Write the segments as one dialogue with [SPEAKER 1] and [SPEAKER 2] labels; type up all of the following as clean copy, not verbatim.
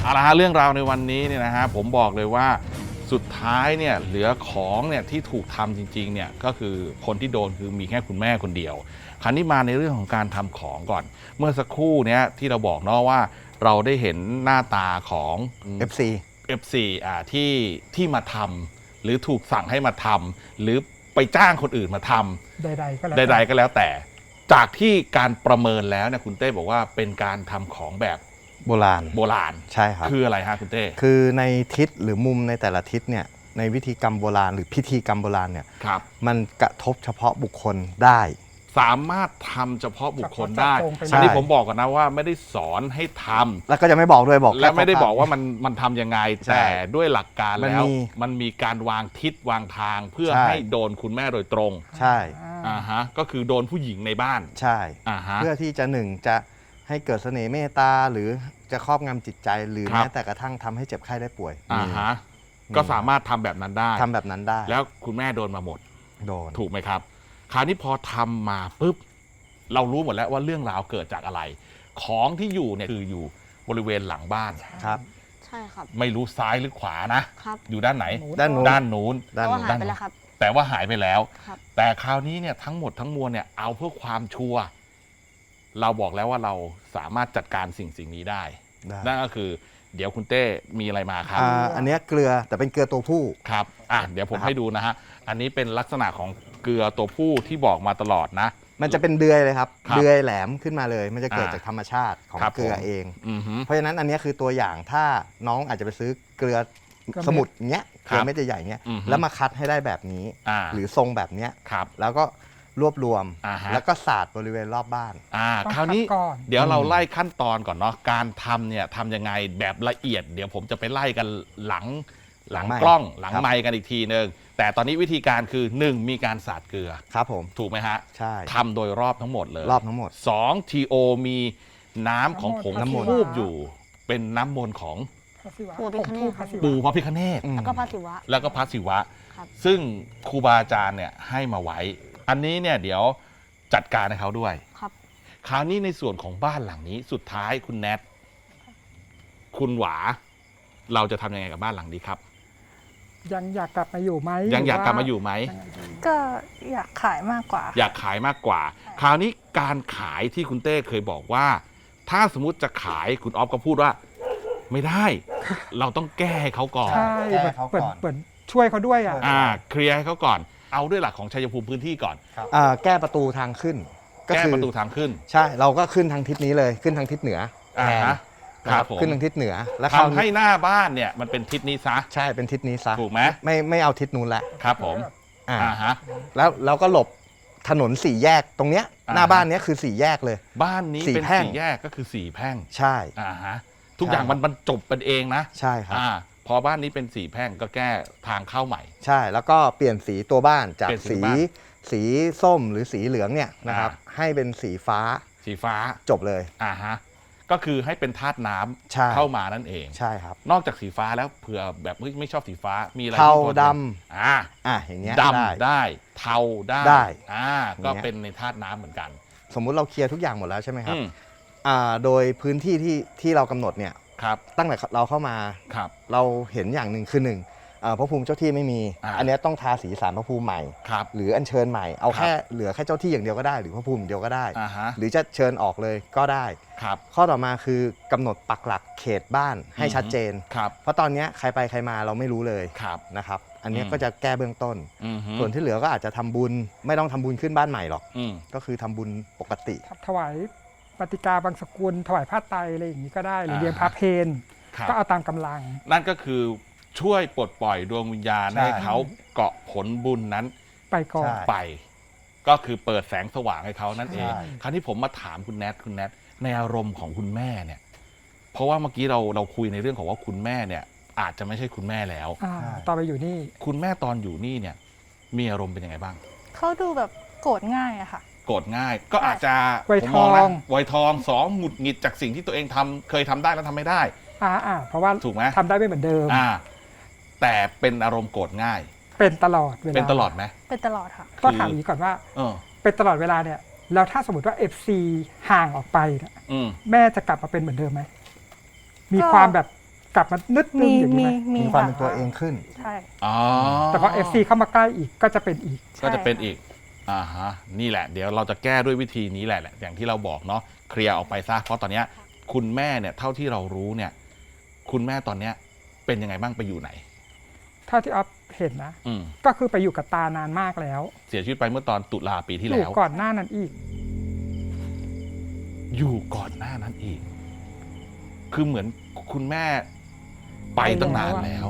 [SPEAKER 1] เอาละฮะเรื่องราวในวันนี้เนี่ยนะฮะผมบอกเลยว่าสุดท้ายเนี่ยเหลือของเนี่ยที่ถูกทำจริงๆเนี่ยก็คือคนที่โดนคือมีแค่คุณแม่คนเดียวคราวนี้มาในเรื่องของการทำของก่อนเมื่อสักครู่เนี้ยที่เราบอกเนาะว่าเราได้เห็นหน้าตาของ FC ที่มาทำหรือถูกสั่งให้มาทำหรือไปจ้างคนอื่นมาทำใดๆก็แล้วแต่จากที่การประเมินแล้วเนี่ยคุณเต้บอกว่าเป็นการทำของแบบ
[SPEAKER 2] โบราณใช่ครับ
[SPEAKER 1] คืออะไรฮะคุณเต้
[SPEAKER 2] คือในทิศหรือมุมในแต่ละทิศเนี่ยในวิธีกรรมโบราณหรือพิธีกรรมโบราณเนี่ยมันกระทบเฉพาะบุคคลได้
[SPEAKER 1] สามารถทำเฉพาะบุคคลได้อันนี้ผมบอกก่อนนะว่าไม่ได้สอนให้ทำ
[SPEAKER 2] แล้วก็จะไม่บอกด้วยบอก
[SPEAKER 1] และไม่ได้บอกว่ามันทำยังไงแต่ด้วยหลักการแล้วมันมีการวางทิศวางทางเพื่อให้โดนคุณแม่โดยตรง
[SPEAKER 2] ใช่
[SPEAKER 1] ก็คือโดนผู้หญิงในบ้าน
[SPEAKER 2] ใช่เพื่อที่จะจะให้เกิดเสน่ห์เมตตาหรือจะครอบงำจิตใจหรือแม้แต่กระทั่งทำให้เจ็บไข้ได้ป่วย
[SPEAKER 1] ก็สามารถทำแบบนั้นได้แล้วคุณแม่โดนมาหมดถูกไหมครับคราวนี้พอทำมาปุ๊บเรารู้หมดแล้วว่าเรื่องราวเกิดจากอะไรของที่อยู่เนี่ยคืออยู่บริเวณหลังบ้าน
[SPEAKER 2] ครับ
[SPEAKER 3] ใช่ครับ
[SPEAKER 1] ไม่รู้ซ้ายหรือขวานะครับอยู่ด้านไหน
[SPEAKER 2] ด้าน
[SPEAKER 3] นู้นแต่ว่าหายไปแล้วครับ
[SPEAKER 1] แต่ว่าหายไปแล้วแต่คราวนี้เนี่ยทั้งหมดทั้งมวลเนี่ยเอาเพื่อความชัวร์เราบอกแล้วว่าเราสามารถจัดการสิ่งนี้ได้นั่นก็คือเดี๋ยวคุณเต้มีอะไรมาครับ
[SPEAKER 2] อันนี้เกลือแต่เป็นเกลือตัวผู้
[SPEAKER 1] ครับเดี๋ยวผมให้ดูนะฮะอันนี้เป็นลักษณะของเกลือตัวผู้ที่บอกมาตลอดนะ
[SPEAKER 2] มันจะเป็นเดือยเลยครับเดือยแหลมขึ้นมาเลยมันจะเกิดจากธรรมชาติของเกลือเองเพราะฉะนั้นอันนี้คือตัวอย่างถ้าน้องอาจจะไปซื้อเกลือสมุดเงี้ยเกลือเม็ดใหญ่ๆเงี้ยแล้วมาคัดให้ได้แบบนี้หรือทรงแบบเนี้ยแล้วก็รวบรวมแล้วก็สาดบริเวณรอบบ้าน
[SPEAKER 1] คราวนี้เดี๋ยวเราไล่ขั้นตอนก่อนเนาะการทำเนี่ยทำยังไงแบบละเอียดเดี๋ยวผมจะไปไล่กันหลังกล้องหลังไมค์กันอีกทีนึงแต่ตอนนี้วิธีการคือ1มีการสาดเกลือ
[SPEAKER 2] ครับผม
[SPEAKER 1] ถูกไหมฮะ
[SPEAKER 2] ใช่
[SPEAKER 1] ทำโดยรอบทั้งหมดเลย
[SPEAKER 2] รอบทั้งหมด
[SPEAKER 1] 2 TO มีน้ำของผงทูบอยู่เป็นน้ำมนต์ของปู่พระพิฆเนศ
[SPEAKER 3] แล้วก็พระศิ
[SPEAKER 1] วะซึ่งครูบาอาจารย์เนี่ยให้มาไว้อันนี้เนี่ยเดี๋ยวจัดการให้เขาด้วยคราวนี้ในส่วนของบ้านหลังนี้สุดท้ายคุณแนทคุณหวาเราจะทำยังไงกับบ้านหลังนี้ครับ
[SPEAKER 4] ยังอยากกลับมาอยู่ไหม
[SPEAKER 1] ยังอยากกลับมาอยู่ไหม
[SPEAKER 5] ก็อยากขายมากกว่า
[SPEAKER 1] อยากขายมากกว่าคราวนี้การขายที่คุณเต้เคยบอกว่าถ้าสมมุติจะขายคุณออฟก็พูดว่าไม่ได้เราต้องแก้ให้เขาก่อน
[SPEAKER 4] ใช่เหมือนช่วยเขาด้วย
[SPEAKER 1] เคลียร์ให้เขาก่อนเอาด้วยหลักของชัยภูมิพื้นที่ก่อน
[SPEAKER 2] แก้ประตูทางขึ้น
[SPEAKER 1] แก้ประตูทางขึ้น
[SPEAKER 2] ใช่เราก็ขึ้นทางทิศนี้เลยขึ้นทางทิศเหนือ
[SPEAKER 1] ครับ
[SPEAKER 2] ขึ้นทางทิศเหนือ
[SPEAKER 1] แล้วทำให้หน้าบ้านเนี่ยมันเป็นทิศนี้ซะ
[SPEAKER 2] ใช่เป็นทิศนี้ซะ
[SPEAKER 1] ถูกไหม
[SPEAKER 2] ไม่เอาทิศนู้นแหละ
[SPEAKER 1] ครับผม
[SPEAKER 2] แล้วเราก็หลบถนน4แยกตรงเนี้ยหน้าบ้านเนี้ยคือ4แยกเลย
[SPEAKER 1] บ้านนี้เป็น4แยกก็คือ4แพร่ง
[SPEAKER 2] ใช่
[SPEAKER 1] ทุกอย่างมันจบเป็นเองนะ
[SPEAKER 2] ใช่ครับ
[SPEAKER 1] พอบ้านนี้เป็น4แพร่งก็แก้ทางเข้าใหม่
[SPEAKER 2] ใช่แล้วก็เปลี่ยนสีตัวบ้านจากสีส้มหรือสีเหลืองเนี่ยนะครับให้เป็นสีฟ้าจบเลย
[SPEAKER 1] ก็คือให้เป็นธาตุน้ำเข้ามานั่นเอง
[SPEAKER 2] ใช่ครับ
[SPEAKER 1] นอกจากสีฟ้าแล้วเผื่อแบบไม่ชอบสีฟ้ามีอะไร
[SPEAKER 2] เทาด
[SPEAKER 1] ำ
[SPEAKER 2] อย่างเงี้ย
[SPEAKER 1] ดำได้เทาได้ก็เป็นในธาตุน้ำเหมือนกัน
[SPEAKER 2] สมมุติเราเคลียร์ทุกอย่างหมดแล้วใช่ไหมครับโดยพื้นที่ที่เรากำหนดเนี่ยตั้งแต่เราเข้ามาเราเห็นอย่างหนึ่งคือพระภูมิเจ้าที่ไม่มีอันนี้ต้องทาสีศาลพระภูมิใหม่หรืออัญเชิญใหม่เอาแค่เหลือแค่เจ้าที่อย่างเดียวก็ได้หรือพระภูมิอย่างเดียวก็ได้หรือจะเชิญออกเลยก็ได้ข้อต่อมาคือกำหนดปักหลักเขตบ้านให้ชัดเจนเพราะตอนนี้ใครไปใครมาเราไม่รู้เลยนะครับอันนี้ก็จะแก้เบื้องต้นส่วนที่เหลือก็อาจจะทำบุญไม่ต้องทำบุญขึ้นบ้านใหม่หรอกก็คือทำบุญปกติ
[SPEAKER 4] ถวายปฏิกาบางสกุลถวายผ้าไตรอะไรอย่างนี้ก็ได้หรือเลี้ยงพระเพลก็เอาตามกำลัง
[SPEAKER 1] นั่นก็คือช่วยปลดปล่อยดวงวิญญาณให้เขาเกาะผลบุญนั้น
[SPEAKER 4] ไปก่อน
[SPEAKER 1] ไปก็คือเปิดแสงสว่างให้เขานั่นเองคราวนี้ผมมาถามคุณแนทในอารมณ์ของคุณแม่เนี่ยเพราะว่าเมื่อกี้เราคุยในเรื่องของว่าคุณแม่เนี่ยอาจจะไม่ใช่คุณแม่แล้ว
[SPEAKER 4] ตอนไปอยู่นี่
[SPEAKER 1] คุณแม่ตอนอยู่นี่เนี่ยมีอารมณ์เป็นยังไงบ้าง
[SPEAKER 5] เขาดูแบบโกรธง่ายอะค่ะ
[SPEAKER 1] โกรธง่ายก็อาจจะ
[SPEAKER 4] วัยทอง
[SPEAKER 1] 2หงุดหงิดจากสิ่งที่ตัวเองเคยทำได้แล้วทำไม่ได้
[SPEAKER 4] เพราะว่า
[SPEAKER 1] ถูกไหม
[SPEAKER 4] ทำได้ไม่เหมือนเดิม
[SPEAKER 1] แต่เป็นอารมณ์โกรธง่าย
[SPEAKER 4] เป็นตลอดเวลา
[SPEAKER 1] เป็นตลอดไหม
[SPEAKER 5] เป็นตลอดค่ะ
[SPEAKER 4] ก็ถามอย่างนี้ก่อนว่าเป็นตลอดเวลาเนี่ยแล้วถ้าสมมติว่า FC ห่างออกไปแม่จะกลับมาเป็นเหมือนเดิมไหมมีความแบบกลับมานึดนึงอย่างนี้ไหม
[SPEAKER 2] มีความเป็นตัวเองขึ้น
[SPEAKER 5] ใช่
[SPEAKER 1] อ๋อ
[SPEAKER 4] แต่พอ FC เข้ามาใกล้อีกก็จะเป็นอีก
[SPEAKER 1] ก็จะเป็นอีกฮะนี่แหละเดี๋ยวเราจะแก้ด้วยวิธีนี้แหละอย่างที่เราบอกเนาะเคลียร์ออกไปซะเพราะตอนเนี้ยคุณแม่เนี่ยเท่าที่เรารู้เนี่ยคุณแม่ตอนเนี้ยเป็นยังไงบ้างไปอยู่ไหน
[SPEAKER 4] เท่าที่ออฟเห็นนะ
[SPEAKER 1] อืม
[SPEAKER 4] ก็คือไปอยู่กับตานานมากแล้ว
[SPEAKER 1] เสียชีวิตไปเมื่อตอนตุลาปีที่
[SPEAKER 4] อ
[SPEAKER 1] แล้
[SPEAKER 4] ยู่
[SPEAKER 1] ว
[SPEAKER 4] ก่อนหน้านั้นอีก
[SPEAKER 1] อยู่ก่อนหน้านั้นอีก คือเหมือนคุณแม่ไปตั้งนานแล้ว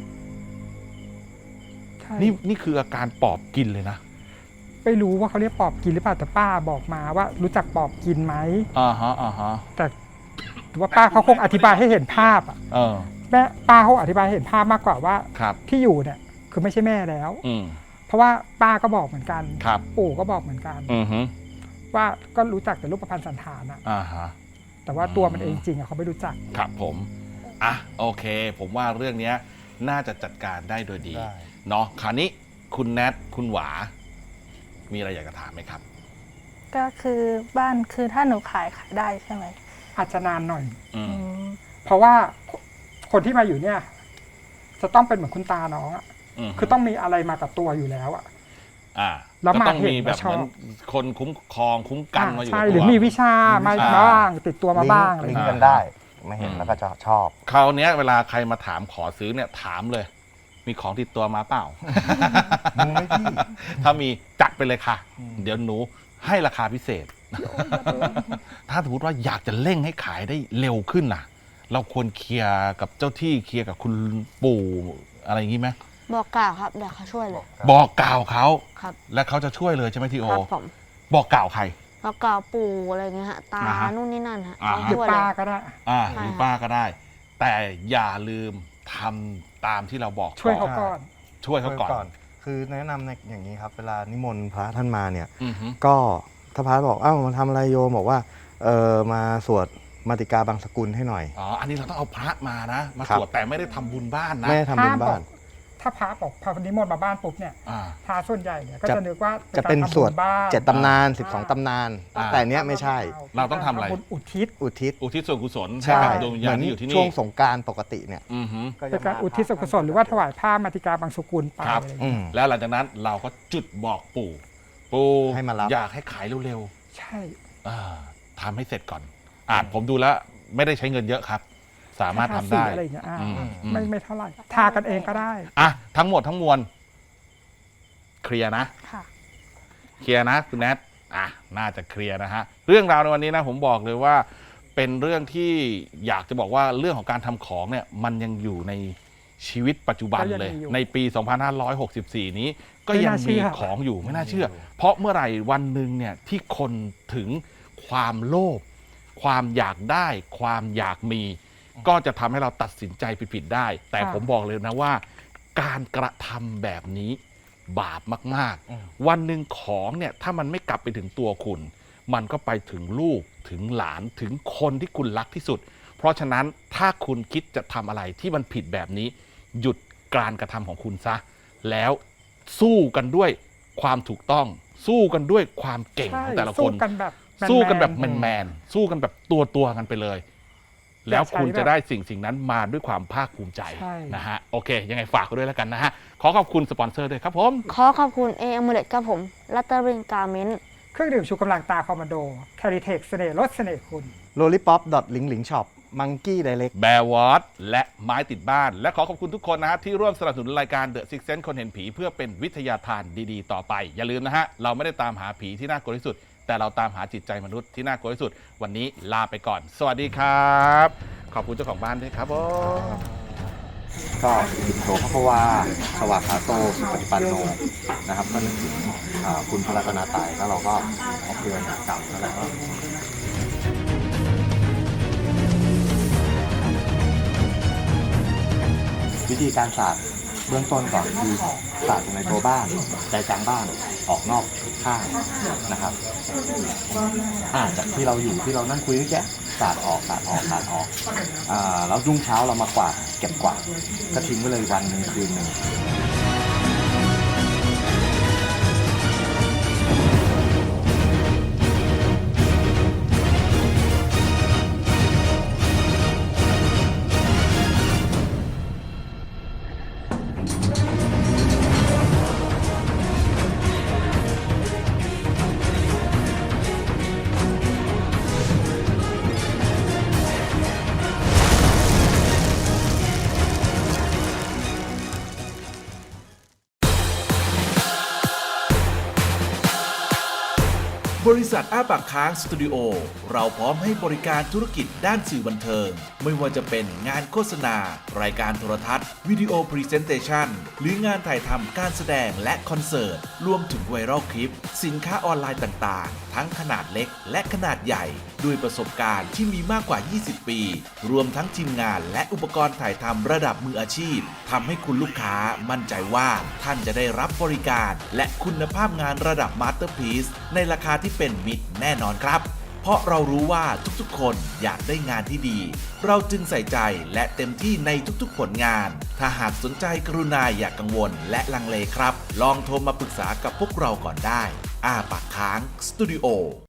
[SPEAKER 4] ใช่
[SPEAKER 1] นี่คืออาการปอบกินเลยนะ
[SPEAKER 4] ไม่รู้ว่าเขาเรียกปอบกินหรือเปล่าแต่ป้าบอกมาว่ารู้จักปอบกินไหม
[SPEAKER 1] อ่าฮะ
[SPEAKER 4] แต่ว่าป้าเขาคงอธิบายให้เห็นภาพอ่ะ
[SPEAKER 1] เออ
[SPEAKER 4] แม่ป้าเขาอธิบายให้เห็นภาพมากกว่าว่า
[SPEAKER 1] ครับ
[SPEAKER 4] ที่อยู่เนี่ยคือไม่ใช่แม่แล้ว
[SPEAKER 1] อืม
[SPEAKER 4] เพราะว่าป้าก็บอกเหมือนกัน
[SPEAKER 1] ครับ
[SPEAKER 4] ปู่ก็บอกเหมือนกัน
[SPEAKER 1] อือฮึ
[SPEAKER 4] ว่าก็รู้จักแต่รูปพรรณสันฐานอะ
[SPEAKER 1] อ่าฮะ
[SPEAKER 4] แต่ว่าตัวมันเองจริงอะเขาไม่รู้จัก
[SPEAKER 1] ครับผมอ่ะโอเค ผมว่าเรื่องเนี้ยน่าจะจัดการได้โดยดี
[SPEAKER 2] ได้
[SPEAKER 1] เนาะคราวนี้คุณแนทคุณหวา มีอะไรอยากจะถามไหมครับ
[SPEAKER 5] ก็คือบ้านคือถ้าหนูขายได้ใช่ไหม
[SPEAKER 4] อาจจะนานหน่อย
[SPEAKER 1] อืม
[SPEAKER 5] อืม
[SPEAKER 4] เพราะว่าคนที่มาอยู่เนี่ย จะต้องเป็นเหมือนคุณตาน้องอะ
[SPEAKER 1] ม
[SPEAKER 4] คือต้องมีอะไรมากับตัวอยู่แล้วอะ
[SPEAKER 1] อ่า
[SPEAKER 4] แล้ว
[SPEAKER 1] ก็
[SPEAKER 4] มา
[SPEAKER 1] ต้อง
[SPEAKER 4] เห็น
[SPEAKER 1] มีแบบ
[SPEAKER 4] แล้วชอบ
[SPEAKER 1] เหมือนคนคุ้มครองคุ้มกันมาอยู่
[SPEAKER 4] ใช่
[SPEAKER 1] กับ
[SPEAKER 4] หรือ
[SPEAKER 1] ตัว
[SPEAKER 4] มีวิชามา
[SPEAKER 1] อ่า
[SPEAKER 4] บ้างติดตัวมาบ้างอะไร
[SPEAKER 2] ลิง
[SPEAKER 4] เงี้
[SPEAKER 2] ก์
[SPEAKER 4] ย
[SPEAKER 2] กันได้มาเห็นแล้วก็จะชอบ
[SPEAKER 1] คราวเนี้ยเวลาใครมาถามขอซื้อเนี่ยถามเลย มีของติดตัวมาเปล่า
[SPEAKER 2] มึงไม่พี่
[SPEAKER 1] ถ้ามีจัดไปเลยค่ะ เดี๋ยวหนูให้ราคาพิเศษ ถ้าสมมติว่าอยากจะเร่งให้ขายได้เร็วขึ้นล่ะ เราควรเคลียร์กับเจ้าที่เคลียร์กับคุณปู่อะไรอย่างนี้ไหม
[SPEAKER 3] บอกกล่าวครับเดี๋ยวเขาช่วยเลย
[SPEAKER 1] บอกกล่าวเขา
[SPEAKER 3] ครับ
[SPEAKER 1] และเขาจะช่วยเลยใช่ไหมทีโอ
[SPEAKER 3] ครับผม
[SPEAKER 1] บอกกล่าวใคร
[SPEAKER 3] บอกกล่าวปู่อะไรเงี้ยฮะตา
[SPEAKER 1] อ่าฮะ
[SPEAKER 3] นู่นนี่นั่นฮะ
[SPEAKER 1] อ่า
[SPEAKER 3] เขา
[SPEAKER 1] ฮะ
[SPEAKER 4] หรือ
[SPEAKER 3] ช่วย
[SPEAKER 4] ป้า
[SPEAKER 3] เลย
[SPEAKER 4] ก็ได้
[SPEAKER 1] หรือป้าก็ได้ แต่อย่าลืมทำตามที่เราบอก
[SPEAKER 4] ช่วยเขาก่อน
[SPEAKER 1] ช่วยเขาก่อน
[SPEAKER 2] คือแนะนำในอย่างนี้ครับ เวลานิมนต์พระท่านมาเนี่ย
[SPEAKER 1] อือฮึ
[SPEAKER 2] ก็ถ้าพระบอกอ้าวมาทำอะไรโยมบอกว่ามาสวดมาติกาบางสกุลให้หน่อย
[SPEAKER 1] อ๋ออันนี้เราต้องเอาพระมานะ มา
[SPEAKER 2] ครับ
[SPEAKER 1] สวดแต่ไม่ได้ทำบุญบ้านนะ
[SPEAKER 2] ไม่ได้ทำบุญบ้าน
[SPEAKER 4] ถ้าพระบอกพระนิมนต์มาบ้านปุ๊บเนี่ย
[SPEAKER 1] อ่า
[SPEAKER 4] พระส่วนใหญ่เนี่ยก็
[SPEAKER 2] จะ
[SPEAKER 4] จะนึกว่า
[SPEAKER 2] จะเป็น
[SPEAKER 4] การ
[SPEAKER 2] สวด
[SPEAKER 4] ทำบุญบ้าน
[SPEAKER 2] 7 ตำนาน
[SPEAKER 1] อ่า
[SPEAKER 2] 12 ตำนาน
[SPEAKER 1] อ่า
[SPEAKER 2] แต่เนี้ยไม่ใช่
[SPEAKER 1] เราต้องทำอะไร
[SPEAKER 4] บุญอุทิศ
[SPEAKER 2] อุทิศ
[SPEAKER 1] อุทิศส่วนกุศล
[SPEAKER 2] ใช่
[SPEAKER 1] ให้กับดวงวิญ
[SPEAKER 2] เห
[SPEAKER 1] ญา
[SPEAKER 2] มื
[SPEAKER 1] ณ
[SPEAKER 2] อน
[SPEAKER 1] ที่อยู่ที่
[SPEAKER 2] ช่
[SPEAKER 1] นี่
[SPEAKER 2] วงสงกรารปกติเนี่ย
[SPEAKER 1] อือฮึ
[SPEAKER 4] เป็นการอุทิศส่วนกุศลหรือว่าถวายผ้ามาติกาบางสกุลไป
[SPEAKER 1] ครับ
[SPEAKER 4] อะไรอย่าง
[SPEAKER 2] อื
[SPEAKER 4] เงี้ย
[SPEAKER 2] ม
[SPEAKER 1] แล้วหลังจากนั้นเราก็จุดบอกปู่ ปู่
[SPEAKER 2] ให้มารับ
[SPEAKER 1] อยากให้ขายเร็ว
[SPEAKER 4] ใช่
[SPEAKER 1] ๆทำให้เสร็จก่อนผมดูแล้วไม่ได้ใช้เงินเยอะครับ สามารถทำได้
[SPEAKER 4] ทสีอะไรอย่างเงี้ย
[SPEAKER 1] อืม
[SPEAKER 4] ไม่เท่าไหร่ทากันเองก็ได้
[SPEAKER 1] อ่ะทั้งหมดทั้งมวลเคลียร์นะ
[SPEAKER 5] ค่ะ
[SPEAKER 1] เคลียร์นะคุณแนทน่าจะเคลียร์นะฮะเรื่องราวในวันนี้นะผมบอกเลยว่าเป็นเรื่องที่อยากจะบอกว่าเรื่องของการทำของเนี่ยมันยังอยู่ในชีวิตปัจจุบัน
[SPEAKER 4] ก็ยัง
[SPEAKER 1] เลย
[SPEAKER 4] มีอยู่
[SPEAKER 1] ในปี 2564 นี้ก็
[SPEAKER 4] ไม่
[SPEAKER 1] ยัง
[SPEAKER 4] น่าเชื่
[SPEAKER 1] มี
[SPEAKER 4] อ
[SPEAKER 1] ของอยู่ไม่น่าเชื่อ เพราะเมื่อไหร่วันหนึ่งเนี่ยที่คนถึงความโลภความอยากได้ความอยากมี ก็จะทำให้เราตัดสินใจผิดๆได้ แต่ผมบอกเลยนะว่า การกระทำแบบนี้บาปมาก ๆ วันหนึ่งของเนี่ยถ้ามันไม่กลับไปถึงตัวคุณ มันก็ไปถึงลูกถึงหลานถึงคนที่คุณรักที่สุด เพราะฉะนั้นถ้าคุณคิดจะทำอะไรที่มันผิดแบบนี้ หยุดการกระทำของคุณซะ แล้วสู้กันด้วยความถูกต้อง สู้กันด้วยความเก่ง
[SPEAKER 4] ใช่
[SPEAKER 1] ของแต่ละค
[SPEAKER 4] สู้
[SPEAKER 1] น
[SPEAKER 4] กันแบบแมนๆ
[SPEAKER 1] สู้กันแบบแมนๆสู้กันแบบตัวกันไปเลย แล้วคุณจะได้สิ่งนั้นมาด้วยความภาคภูมิใจ
[SPEAKER 4] ใช่
[SPEAKER 1] นะฮะโอเค ยังไงฝากไว้ด้วยแล้วกันนะฮะขอขอบคุณสปอนเซอร์ด้วยครับผม
[SPEAKER 3] ขอขอบคุณเอเอมูเลตครับผมลัตเตอริงการ์เมนต์
[SPEAKER 4] เครื่องดื่มชูกำลังตาคอมมานโดแคริเทคเสน่ห์ลดเสน่ห์คุณ
[SPEAKER 2] l o l l i p o p ลิงลิงช็อปมังกี้ไดเล็ก
[SPEAKER 1] แบร์วอตและไม้ติดบ้าน และขอขอบคุณทุกคนนะฮะที่ร่วมสนับสนุนรายการ The Six Sense คนเห็นผีเพื่อเป็นวิทยาทานดีๆ ต่อไป อย่าลืมนะฮะ เราไม่ได้ตามหาผีที่น่ากลัวที่สุด แต่เราตามหาจิตใจมนุษย์ที่น่ากลัวที่สุด วันนี้ลาไปก่อน สวัสดีครับ ขอบคุณเจ้าของบ้านด้วยครับผม
[SPEAKER 2] ก็อิโสภควาสวากขาโตสุปฏิปันโนนะครับก็นึกถึงคุณพระรัตนตรัยแล้วเราก็ออกเดือนกลับแล้วก็วิธีการสาดเบื้องต้นก่อนคือสาดในตัวบ้านใจกลางบ้านออกนอกข้างนะครับจากที่เราอยู่ที่เรานั่งคุยเมื่อกี้สาดออกแล้วรุ่งเช้าเรามากวาดเก็บกวาดก็ทิ้งไว้เลยวันหนึ่งคืนหนึ่ง
[SPEAKER 6] ริษัทอ้าปากค้างสตูดิโอเราพร้อมให้บริการธุรกิจด้านสื่อบันเทิงไม่ว่าจะเป็นงานโฆษณารายการโทรทัศน์วิดีโอพรีเซนเตชันหรืองานถ่ายทำการแสดงและคอนเสิร์ตรวมถึงไวรัลคลิปสินค้าออนไลน์ต่างๆทั้งขนาดเล็กและขนาดใหญ่ด้วยประสบการณ์ที่มีมากกว่า 20 ปีรวมทั้งทีมงานและอุปกรณ์ถ่ายทำระดับมืออาชีพทำให้คุณลูกค้ามั่นใจว่าท่านจะได้รับบริการและคุณภาพงานระดับมาสเตอร์พีซในราคาที่เป็นมิตรแน่นอนครับเพราะเรารู้ว่าทุกๆคนอยากได้งานที่ดีเราจึงใส่ใจและเต็มที่ในทุกๆผลงานถ้าหากสนใจกรุณาอย่ากกังวลและลังเลครับลองโทรมาปรึกษากับพวกเราก่อนได้อ้าปากค้างสตูดิโอ